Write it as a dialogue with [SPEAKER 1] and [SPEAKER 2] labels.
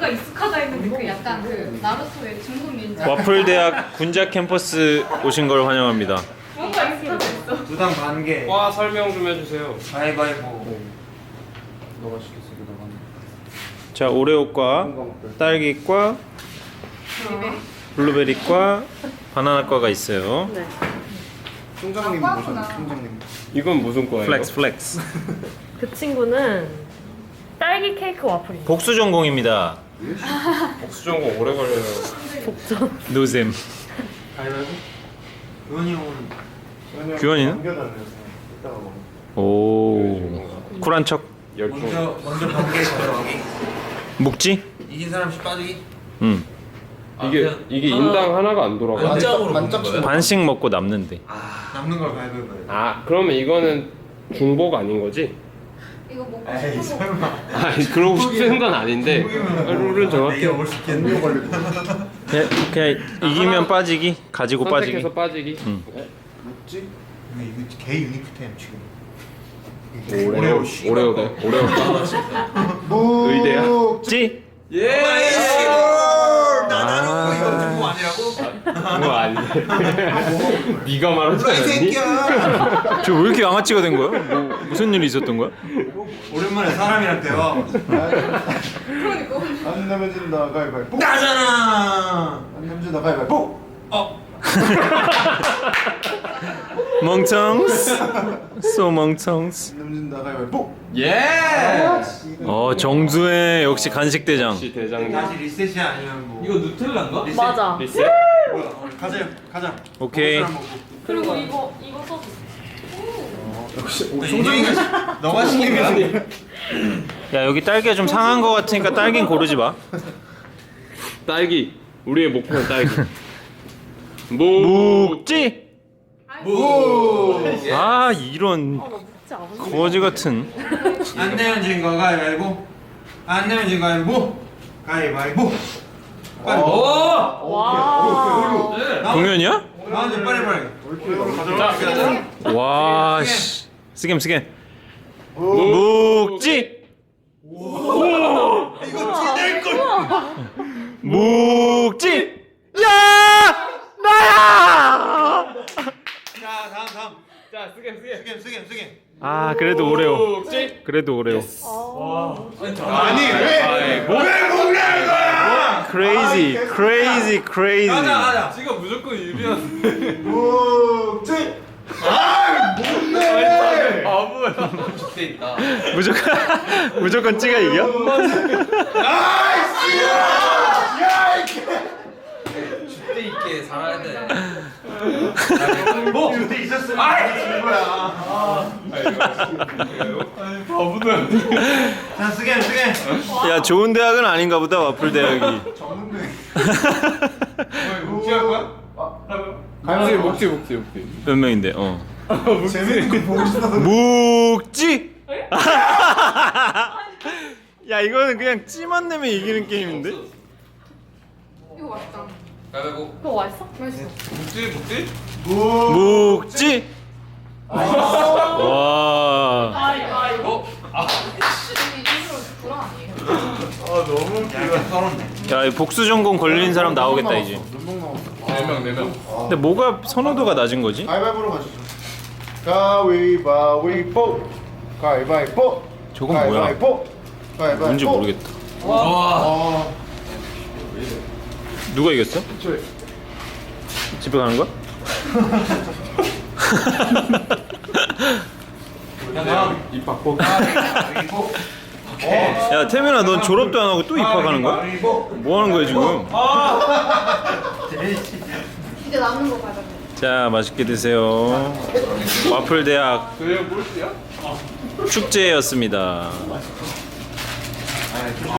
[SPEAKER 1] 뭔가 익숙하다 했는데 그 약간 그 나루토의 중국 닌자.
[SPEAKER 2] 와플 대학 군자 캠퍼스 오신 걸 환영합니다.
[SPEAKER 1] 뭔가 익숙하다 했어.
[SPEAKER 3] 두당 반 개.
[SPEAKER 4] 과 설명 좀 해주세요.
[SPEAKER 3] 가위바위보.
[SPEAKER 5] 너가 시켰어, 너가.
[SPEAKER 2] 자, 오레오과, 딸기과, 블루베리과, 바나나과가 있어요.
[SPEAKER 6] 네.
[SPEAKER 5] 총장님
[SPEAKER 1] 아,
[SPEAKER 5] 모셨네,
[SPEAKER 1] 꽈구나.
[SPEAKER 5] 총장님.
[SPEAKER 4] 이건 무슨 과예요?
[SPEAKER 2] 플렉스 플렉스.
[SPEAKER 6] 그 친구는 딸기 케이크 와플입니다.
[SPEAKER 2] 복수 전공입니다.
[SPEAKER 4] 복수 전공 오래 걸려요.
[SPEAKER 6] 복전.
[SPEAKER 2] 노잼.
[SPEAKER 3] 가위바위보. 의원이 형은
[SPEAKER 2] 규현이는?
[SPEAKER 5] 남겨달래요. 이따가 먹어.
[SPEAKER 2] 오, 쿨한 척.
[SPEAKER 4] 열중.
[SPEAKER 3] 먼저 번개 가져가기.
[SPEAKER 2] 묵지?
[SPEAKER 3] 이긴 사람씩 빠지기.
[SPEAKER 2] 응.
[SPEAKER 4] 이게 인당 하나가 안 돌아가.
[SPEAKER 3] 만장으로
[SPEAKER 5] 만장
[SPEAKER 3] 먹는 거예요?
[SPEAKER 2] 반씩 먹고 남는데.
[SPEAKER 3] 남는 걸 가위바위보 해야 돼.
[SPEAKER 4] 아 그러면 이거는 중복 아닌 거지?
[SPEAKER 1] 이거 먹고
[SPEAKER 3] 에이
[SPEAKER 1] 싶어서.
[SPEAKER 3] 설마.
[SPEAKER 4] 아 그러고 싶은 건 아닌데 룰은 정확해.
[SPEAKER 3] 내가 먹을 수 있겠네.
[SPEAKER 2] 그냥 이기면 빠지기, 가지고 빠지기.
[SPEAKER 4] 선택해서 빠지기.
[SPEAKER 2] 응.
[SPEAKER 5] 묵지?
[SPEAKER 3] 이거 개 유니크템 지금.
[SPEAKER 4] 오레오 오레오다. 오레오다. 의대야.
[SPEAKER 2] 묵지?
[SPEAKER 4] 예.
[SPEAKER 3] 나나로 이거 정보 아니라고?
[SPEAKER 4] 그거 아닌데. 네가 말하지
[SPEAKER 3] 뭐야 이
[SPEAKER 4] 않았니?
[SPEAKER 3] 새끼야.
[SPEAKER 2] 저 왜 이렇게 양아치가 된 거야? 뭐, 무슨 일이 있었던 거야?
[SPEAKER 3] 오랜만에 사람이랑 대화.
[SPEAKER 1] 그러니까.
[SPEAKER 5] 안 내면 진다, 가위바위보.
[SPEAKER 3] 나잖아.
[SPEAKER 5] 안 내면 진다, 가위바위보.
[SPEAKER 2] 멍청스. 소 멍청스.
[SPEAKER 5] 안 내면 진다, 가위바위보.
[SPEAKER 4] 예.
[SPEAKER 2] 정수혜 역시 간식 대장.
[SPEAKER 4] 역시 대장님.
[SPEAKER 3] 다시 리셋이 아니면 뭐.
[SPEAKER 7] 이거 누텔라인가?
[SPEAKER 3] 리셋.
[SPEAKER 6] 맞아.
[SPEAKER 4] 리셋.
[SPEAKER 3] 뭐야? 가자. 가자.
[SPEAKER 2] 오케이.
[SPEAKER 3] 먹을 사람 먹고.
[SPEAKER 6] 그리고 이거 써줘.
[SPEAKER 5] 역시,
[SPEAKER 3] 총장이가 너가 시킨 거야?
[SPEAKER 2] 야, 여기 딸기가 좀 상한 거 같으니까 딸긴 고르지 마.
[SPEAKER 4] 딸기. 우리의 목표는 딸기.
[SPEAKER 2] 묵지?
[SPEAKER 3] 무.
[SPEAKER 2] 아, 이런
[SPEAKER 6] 나 묵지 않은데.
[SPEAKER 2] 거지 같은.
[SPEAKER 3] 안 내면 진 거 가위바위보. 안 내면 진 거 가위바위보. 가위바위보. 빨리.
[SPEAKER 6] 와.
[SPEAKER 2] 공연이야?
[SPEAKER 3] 나한테 빨리.
[SPEAKER 4] 자.
[SPEAKER 2] 와, 씨. 스겜. 묵지?
[SPEAKER 3] 이거 티낼 걸.
[SPEAKER 2] 묵지? 야! 나야!
[SPEAKER 3] 자, 다음.
[SPEAKER 4] 자 쓰게.
[SPEAKER 3] 쓰게.
[SPEAKER 2] 아, 그래도 오레오.
[SPEAKER 4] 묵지.
[SPEAKER 2] 그래도 오레오.
[SPEAKER 3] 아니 왜 먹는 거야?
[SPEAKER 2] crazy.
[SPEAKER 3] 가자.
[SPEAKER 7] 지가 무조건 유리한.
[SPEAKER 5] 묵지?
[SPEAKER 7] 돼 있다.
[SPEAKER 2] 무조건 찌가 이겨?
[SPEAKER 7] 때 있게 살아야 돼.
[SPEAKER 3] 뭐 그때 있었으면 지는 거야. 자, 쓰게.
[SPEAKER 2] 야, 좋은 대학은 아닌가 보다, 와플 대학이.
[SPEAKER 3] 묵지할 거야?
[SPEAKER 4] 묵지.
[SPEAKER 2] 몇 명인데?
[SPEAKER 5] 재밌는 거 보고 싶어서.
[SPEAKER 2] 묵지? 야, 이거는 그냥 찌만 내면 이기는 게임인데?
[SPEAKER 1] 이거 맛있다.
[SPEAKER 7] 가위바위보.
[SPEAKER 6] 그거 맛있어?
[SPEAKER 1] 맛있어.
[SPEAKER 7] 묵지?
[SPEAKER 2] 묵지? 와.
[SPEAKER 6] 이거.
[SPEAKER 1] 일부러 불안 아니에요?
[SPEAKER 3] 약간 썰었네.
[SPEAKER 2] 야, 이 복수 전공 걸린 사람 나오겠다, 이제.
[SPEAKER 5] 몇명 남았어?
[SPEAKER 7] 4명.
[SPEAKER 2] 근데 뭐가 선호도가 낮은 거지?
[SPEAKER 5] 가위바위보로 가시죠. 가위바위보. 가위바위보.
[SPEAKER 2] 저건 뭐야?
[SPEAKER 5] 가위바위보. 가위바위보.
[SPEAKER 2] 뭔지 모르겠다.
[SPEAKER 5] 와.
[SPEAKER 2] 누가 이겼어? 집에 가는 거야?
[SPEAKER 4] 입 바꿔.
[SPEAKER 2] 야, 태민아, 넌 졸업도 안 하고 또 입학하는 거야? 뭐 하는 거야, 지금?
[SPEAKER 1] 이제 남는 거 가자.
[SPEAKER 2] 자, 맛있게 드세요. 와플 대학
[SPEAKER 4] 그게 뭘지야?
[SPEAKER 2] 축제였습니다.